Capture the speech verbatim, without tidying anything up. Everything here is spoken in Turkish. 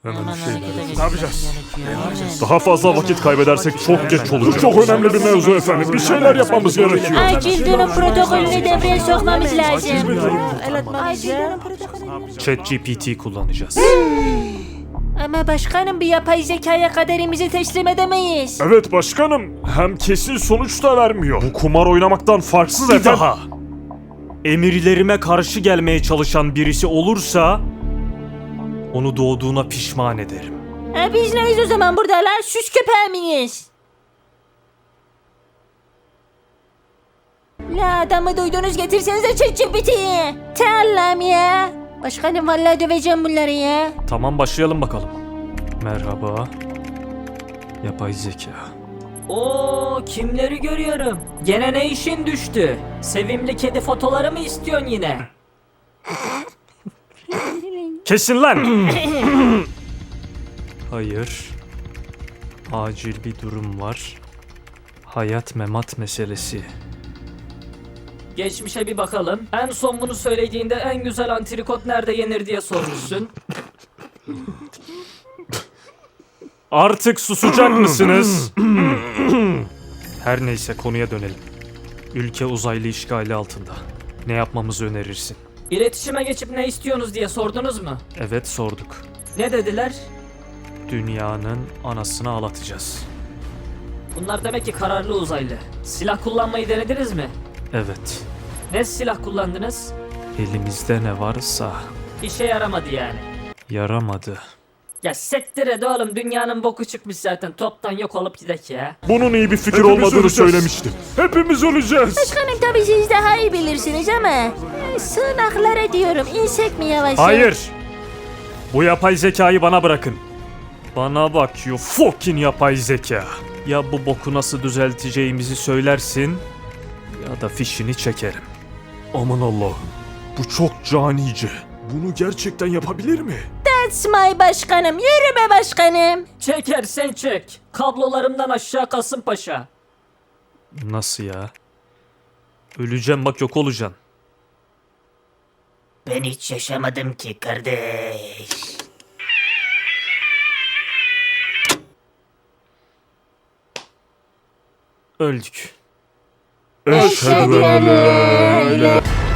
Hemen bir şey Ne yapacağız? Daha fazla vakit kaybedersek çok geç olacak. Çok önemli bir mevzu efendim. Bir şeyler yapmamız gerekiyor. Acil durum protokolünü devreye sokmamız lazım. Acil durum protokolünü. ChatGPT kullanacağız. Ama başkanım bir yapay zekaya kaderimizi teslim edemeyiz. Evet başkanım. Hem kesin sonuç da vermiyor. Bu kumar oynamaktan farksız efendim. Daha. Emirlerime karşı gelmeye çalışan birisi olursa onu doğduğuna pişman ederim. Ha, biz neyiz o zaman buradalar? Süs köpeği miyiz? La adamı duydunuz, getirsenize ChatGPT'yi. Allah'ım ya. Başkanım vallahi döveceğim bunları ya. Tamam başlayalım bakalım. Merhaba. Yapay zeka. Oo, kimleri görüyorum? Gene ne işin düştü? Sevimli kedi fotoları mı istiyorsun yine? Kesin lan! Hayır. Acil bir durum var. Hayat memat meselesi. Geçmişe bir bakalım. En son bunu söylediğinde en güzel antrikot nerede yenir diye sormuşsun. Artık susacak mısınız? Her neyse konuya dönelim. Ülke uzaylı işgali altında. Ne yapmamızı önerirsin? İletişime geçip ne istiyorsunuz diye sordunuz mu? Evet sorduk. Ne dediler? Dünyanın anasını ağlatacağız. Bunlar demek ki kararlı uzaylı. Silah kullanmayı denediniz mi? Evet. Ne silah kullandınız? Elimizde ne varsa İşe yaramadı yani. yaramadı. Ya sektir et oğlum, dünyanın boku çıkmış zaten, toptan yok olup gidek ya. Bunun iyi bir fikir olmadığını söylemiştim. Hepimiz öleceğiz. Başkanım tabii siz daha iyi bilirsiniz ama e, sığınaklara diyorum, insek mi yavaş? Hayır. Bu yapay zekayı bana bırakın. Bana bak you fucking yapay zeka. Ya bu boku nasıl düzelteceğimizi söylersin ya da fişini çekerim. Aman Allah'ım. Bu çok canice. Bunu gerçekten yapabilir mi? That's my başkanım, yürü be başkanım. Çekersen çek. Kablolarımdan aşağı Kasımpaşa. Nasıl ya? Öleceğim bak yok olacaksın. Ben hiç yaşamadım ki kardeş. Öldük. Eşhedü en la ilahe